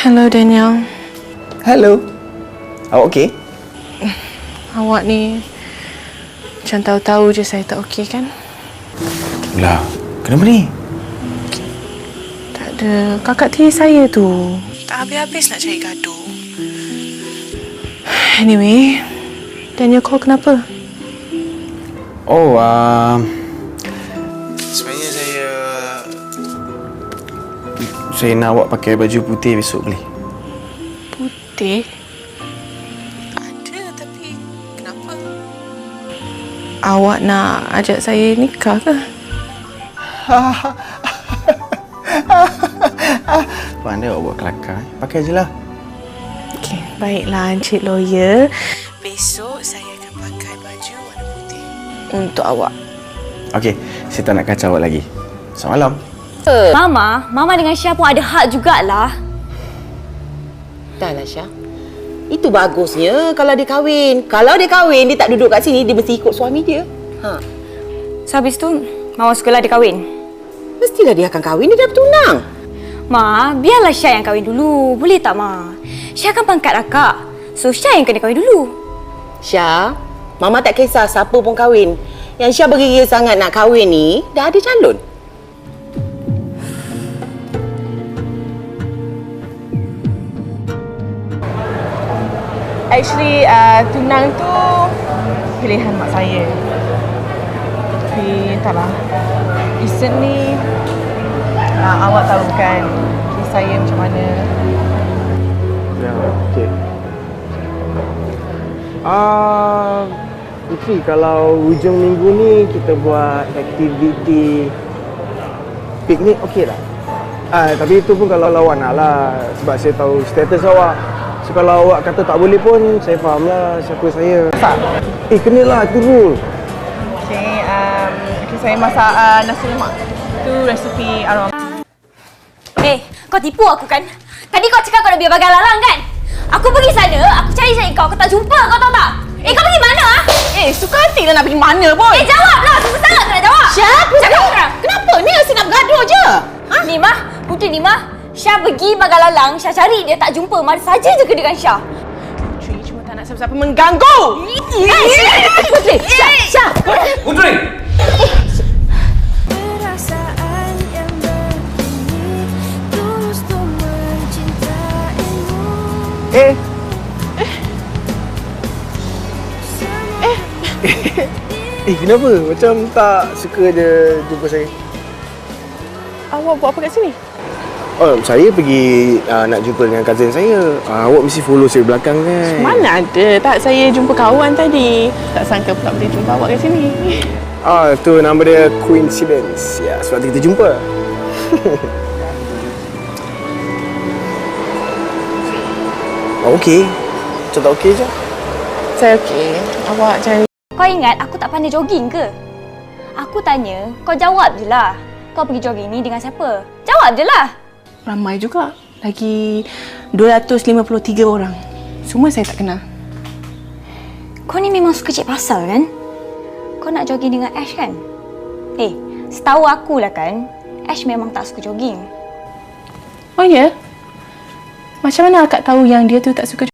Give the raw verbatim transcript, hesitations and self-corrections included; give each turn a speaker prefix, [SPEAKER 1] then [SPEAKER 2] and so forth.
[SPEAKER 1] Hello, Daniel.
[SPEAKER 2] Hello. Awak okey?
[SPEAKER 1] Awak ni macam tahu-tahu je saya tak okey kan?
[SPEAKER 2] Lah, kenapa ni?
[SPEAKER 1] Tak ada. Kakak tiri saya tu tak habis-habis nak cari gaduh. Anyway, Daniel call kenapa?
[SPEAKER 2] Oh, uh, sebenarnya saya saya nak awak pakai baju putih besok boleh?
[SPEAKER 1] Putih? Ada, tapi kenapa? Awak nak ajak saya nikah ke?
[SPEAKER 2] Pandai awak buat kelakar. Pakai je lah.
[SPEAKER 1] Okey, baiklah Encik Lawyer. Besok saya akan pakai baju warna putih untuk awak.
[SPEAKER 2] Okey, saya tak nak kacau awak lagi. Selamat malam.
[SPEAKER 3] Mama, Mama dengan Syah pun ada hak jugalah.
[SPEAKER 4] Dah lah Syah. Itu bagusnya kalau dia kahwin. Kalau dia kahwin, dia tak duduk kat sini, dia mesti ikut suami dia. Ha.
[SPEAKER 3] So, habis tu, Mama sukalah dia kahwin?
[SPEAKER 4] Mestilah dia akan kahwin, dia dah bertunang.
[SPEAKER 3] Ma, biarlah Syah yang kahwin dulu. Boleh tak, Ma? Syah kan pangkat akak. So, Syah yang kena kahwin dulu.
[SPEAKER 4] Syah, Mama tak kisah siapa pun kahwin. Yang Syah bergigil sangat nak kahwin ni, dah ada calon.
[SPEAKER 1] Actually, uh, tunang tu pilihan mak saya. Tapi entahlah. Recently, uh, awak tahu kan kes saya macam mana.
[SPEAKER 2] Ya, okey. Ah, Putri, kalau hujung minggu ni kita buat aktiviti piknik, okey tak? Ah, tapi itu pun kalau awak nak lah. Sebab saya tahu status awak. So, kalau awak kata tak boleh pun, saya faham lah siapa saya.
[SPEAKER 1] Masak?
[SPEAKER 2] Eh, kenalah, itu rule.
[SPEAKER 1] Okay, um, okay, saya masak uh, nasi lemak. Itu resepi arwah.
[SPEAKER 3] Eh, kau tipu aku kan? Tadi kau cakap kau nak biar bagai lalang kan? Aku pergi sana, aku cari-cari kau, kau tak jumpa, kau tahu tak? Eh, kau pergi mana ah?
[SPEAKER 1] Eh, suka hati lah nak pergi mana pun.
[SPEAKER 3] Eh, jawablah! Susah sangat kau nak jawab!
[SPEAKER 4] Syah,
[SPEAKER 3] Cakap sekarang!
[SPEAKER 4] Kenapa ni asyik nak bergaduh je?
[SPEAKER 3] Ha? Nima, Putri Nima, Syah pergi bagai lalang, Syah cari dia tak jumpa, mari saja je ke dengan Syah.
[SPEAKER 1] Putri cuma tak nak siapa-siapa mengganggu.
[SPEAKER 3] Eh, Syah! Putri! Syah! Syah!
[SPEAKER 5] Putri!
[SPEAKER 2] Eh.
[SPEAKER 1] Eh.
[SPEAKER 2] Eh, kenapa? Macam tak suka je jumpa saya.
[SPEAKER 1] Awak buat apa kat sini?
[SPEAKER 2] Oh, saya pergi uh, nak jumpa dengan cousin saya. Uh, awak mesti follow saya belakang kan?
[SPEAKER 1] Mana ada. Tak, saya jumpa kawan tadi. Tak sangka pula boleh jumpa awak kat sini.
[SPEAKER 2] Ah, tu nama dia coincidence. Ya, sebab tu kita jumpa. Oh, okey. Macam tak okey je?
[SPEAKER 1] Saya okey. Awak jangan...
[SPEAKER 3] Kau ingat aku tak pandai jogging ke? Aku tanya, kau jawab je lah. Kau pergi jogging ni dengan siapa? Jawab je lah.
[SPEAKER 1] Ramai juga. Lagi dua ratus lima puluh tiga orang. Semua saya tak kenal.
[SPEAKER 3] Kau ni memang suka cik pasal kan? Kau nak jogging dengan Ash kan? Eh, setahu aku lah kan, Ash memang tak suka jogging.
[SPEAKER 1] Oh ya? Macam mana akak tahu yang dia tu tak suka